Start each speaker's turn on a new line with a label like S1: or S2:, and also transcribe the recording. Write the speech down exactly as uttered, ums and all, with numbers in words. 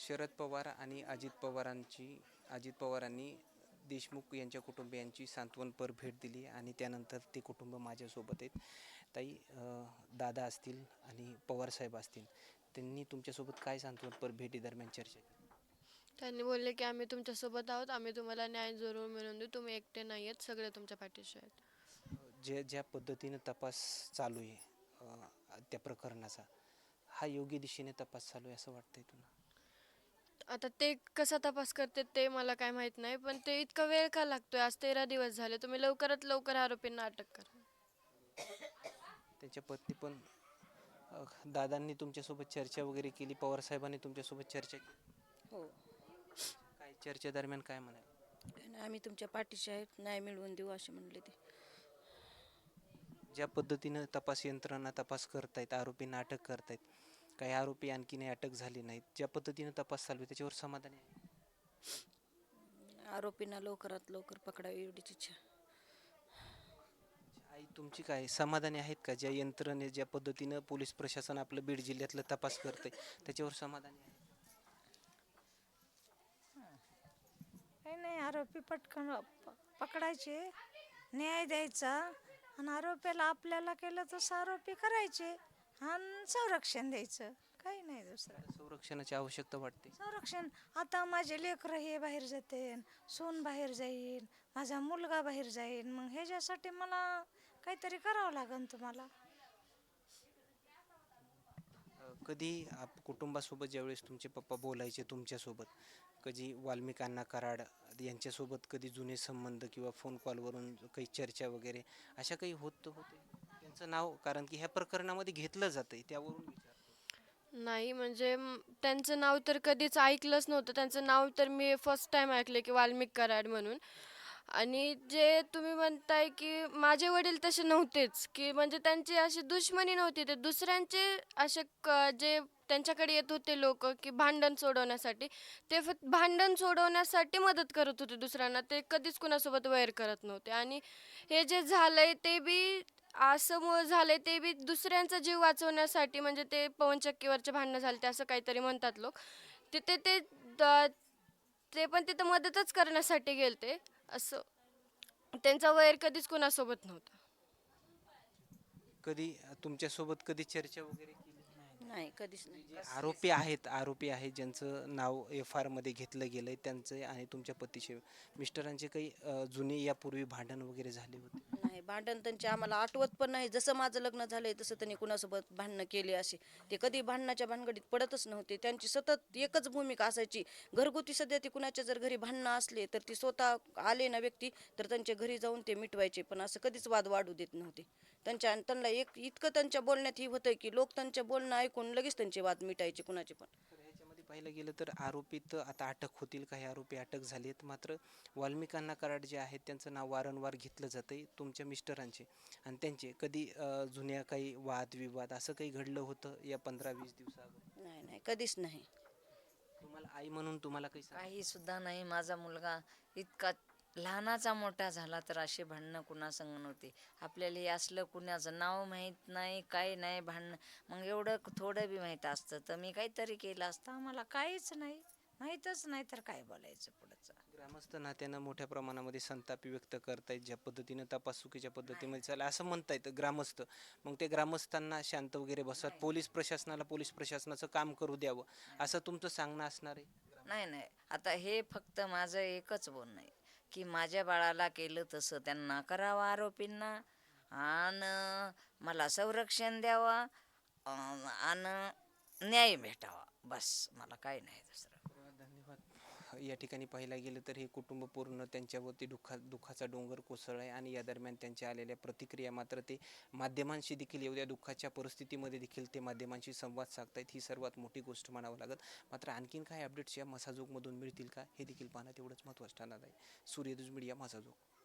S1: शरद पवार आणि अजित पवारांची अजित पवारांनी देशमुख यांच्या कुटुंबियांची सांत्वनपर भेट दिली आणि त्यानंतर ते कुटुंब माझ्यासोबत आहेत. ताई, अ, दादा असतील आणि पवारसाहेब असतील, त्यांनी तुमच्यासोबत काय सांत्वनपर भेटीदरम्यान चर्चा केली?
S2: त्यांनी बोलले की आम्ही तुमच्यासोबत आहोत, आम्ही तुम्हाला न्याय जरूर मिळवून देऊ, तुम्ही एकटे नाही आहेत, सगळे तुमच्या पाठीशी आहेत.
S1: जे ज्या पद्धतीनं तपास चालू आहे अ, त्या प्रकरणाचा, हा योग्य दिशेने तपास चालू आहे असं वाटतंय तुला?
S2: आता ते कसा तपास करते ते मला काय माहीत नाही, पण ते इतका वेळ का लागतोय? आज तेरा दिवस झाले. तुम्ही लवकरात लवकर आरोपींना अटक करा.
S1: त्यांच्या पत्नी पण, अ, दादांनी तुमच्यासोबत चर्चा वगैरे केली, पवारसाहेबांनी तुमच्यासोबत चर्चा केली?
S3: हो.
S1: काय चर्चेदरम्यान काय म्हणाले?
S3: आणि आम्ही तुमच्या पाठीशी आहेत, न्याय मिळवून देऊ असे म्हणले ते.
S1: ज्या पद्धतीनं तपास यंत्रणा तपास करतायत, आरोपींना अटक करतायत, काही आरोपी आणखीनही अटक झाले नाहीत, ज्या पद्धतीनं तपास चालू आहे त्याच्यावर समाधानी आहे?
S3: आरोपींना लवकरात लवकर पकडावी एवढीच इच्छा.
S1: आई, तुमची काय समाधानी आहेत का? ज्या यंत्रणे ज्या पद्धतीनं पोलीस प्रशासन आपलं बीड जिल्ह्यातलं तपास करतंय त्याच्यावर समाधानी आहे?
S4: काही नाही, आरोपी पटकन प- पकडायचे, न्याय द्यायचा आणि आरोपीला आपल्याला केलं तसं आरोपी करायचे आणि संरक्षण द्यायचं, काही नाही दुसरं.
S1: संरक्षणाची आवश्यकता वाटते.
S4: संरक्षण, आता माझे लेकरं हे बाहेर जाते, सून बाहेर जाईल, माझा मुलगा बाहेर जाईल, मग ह्याच्यासाठी मला काहीतरी करावं लागेल तुम्हाला.
S1: अ, कधी आप कुटुंबासोबत ज्यावेळेस तुमचे पप्पा बोलायचे तुमच्यासोबत, कधी वाल्मिक अण्णा कराड यांच्यासोबत कधी जुने संबंध किंवा फोन कॉलवरून काही चर्चा वगैरे अशा काही होत होते? त्यांचं नाव कारण की ह्या प्रकरणामध्ये घेतलं जातंय त्यावरून विचारतो.
S2: नाही म्हणजे म, त्यांचं नाव तर कधीच ऐकलंच नव्हतं. त्यांचं नाव तर मी फर्स्ट टाईम ऐकले की वाल्मिक कराड म्हणून. आणि जे तुम्ही म्हणताय की माझे वडील तसे नव्हतेच, की म्हणजे त्यांची अशी दुश्मनी नव्हती. ते दुसऱ्यांचे असे क जे त्यांच्याकडे येत होते लोक की भांडण सोडवण्यासाठी, ते फक्त भांडण सोडवण्यासाठी मदत करत होते दुसऱ्यांना. ते कधीच कुणासोबत वैर करत नव्हते. आणि हे जे झालंय ते बी असं मु झालंय ते बी दुसऱ्यांचा जीव वाचवण्यासाठी. म्हणजे ते पवन चक्कीवरचे भांडणं झाले ते असं काहीतरी म्हणतात लोक. तिथे ते द- ते पण तिथं मदतच करण्यासाठी गेलते. असं त्यांचा वैर कधीच कुणासोबत नव्हता.
S1: कधी अ, तुमच्यासोबत कधी चर्चा वगैरे केली?
S3: नाही, कधीच
S1: म्हणजे
S3: नाही.
S1: जे आरोपी आहेत आरोपी आहेत ज्यांचं नाव एफ आर मध्ये घेतलं गेलंय, त्यांचे आणि तुमच्या पतीचे मिस्टरांचे काही अ, जुने यापूर्वी भांडण वगैरे झाले होते?
S3: नाही, भांडण त्यांचे आम्हाला आठवत पण नाही. जसं माझं लग्न झालंय तसं त्यांनी कुणासोबत भांडणं केली असे ते कधी भांडणाच्या भानगडीत पडतच नव्हते. त्यांची सतत एकच भूमिका असायची. घरगुती सध्या ती कुणाच्या जर घरी भांडणं असले तर ती स्वतः आले ना व्यक्ती, तर त्यांच्या घरी जाऊन ते मिटवायचे. पण असं कधीच वाद वाढू देत नव्हते. त्यांच्या त्यांना एक इतकं त्यांच्या बोलण्यात ही होतं की लोक त्यांच्या बोलणं ऐकून लगेच त्यांचे वाद मिटायचे कुणाचे पण.
S1: तर ह्याच्यामध्ये पाहिलं गेलं तर आरोपी तर आता अटक होतील, काही आरोपी अटक झाले आहेत, मात्र वाल्मिक अण्णा कराड जे आहेत त्यांचं नाव वारंवार घेतलं जातंय तुमच्या मिस्टरांचे आणि त्यांचे कधी अ, जुन्या काही वादविवाद असं काही घडलं होतं या पंधरा वीस दिवसाअगोदर?
S3: नाही नाही, कधीच नाही.
S1: तुम्हाला आई म्हणून तुम्हाला काही सांग.
S5: काही सुद्धा नाही. माझा मुलगा इतका लहानाचा मोठा झाला तर असे भांडणं कुणासंग नव्हते. आपल्याला हे असलं कुणाचं नाव माहीत नाही, काही नाही भांडणं. मग एवढं थोडं बी माहीत असतं तर मी काहीतरी केलं असतं.
S4: आम्हाला काहीच नाही, माहीतच नाही तर काय बोलायचं पुढचं.
S1: ग्रामस्थ नात्यानं मोठ्या प्रमाणामध्ये संताप व्यक्त करतायत, ज्या पद्धतीनं तपास चुकीच्या पद्धतीमध्ये चालला असं म्हणतायत ग्रामस्थ. मग ते ग्रामस्थांना शांत वगैरे बसत, पोलीस प्रशासनाला पोलीस प्रशासनाचं काम करू द्यावं असं तुमचं सांगणं असणार आहे?
S5: नाही नाही, आता हे फक्त माझं एकच बोलणं आहे की माझ्या बाळाला केलं तसं त्यांना करावं आरोपींना. आणि मला संरक्षण द्यावा आणि न्याय भेटावा. बस, मला काही नाही दुसरं.
S1: तर धन्यवाद. या ठिकाणी पाहायला गेलं तर हे कुटुंब पूर्ण त्यांच्यावरती दुःखा दुःखाचा डोंगर कोसळ आहे आणि या दरम्यान त्यांच्या आलेल्या प्रतिक्रिया मात्र ते माध्यमांशी देखील एवढ्या दुःखाच्या परिस्थितीमध्ये देखील ते माध्यमांशी संवाद साधतायत, ही सर्वात मोठी गोष्ट म्हणावं लागत. मात्र आणखीन काय अपडेट्स या मसाजोगमधून मिळतील का हे देखील पाहणं तेवढंच महत्त्वाचं ठरणार आहे. सूर्यदुज मीडिया, मसाजोग.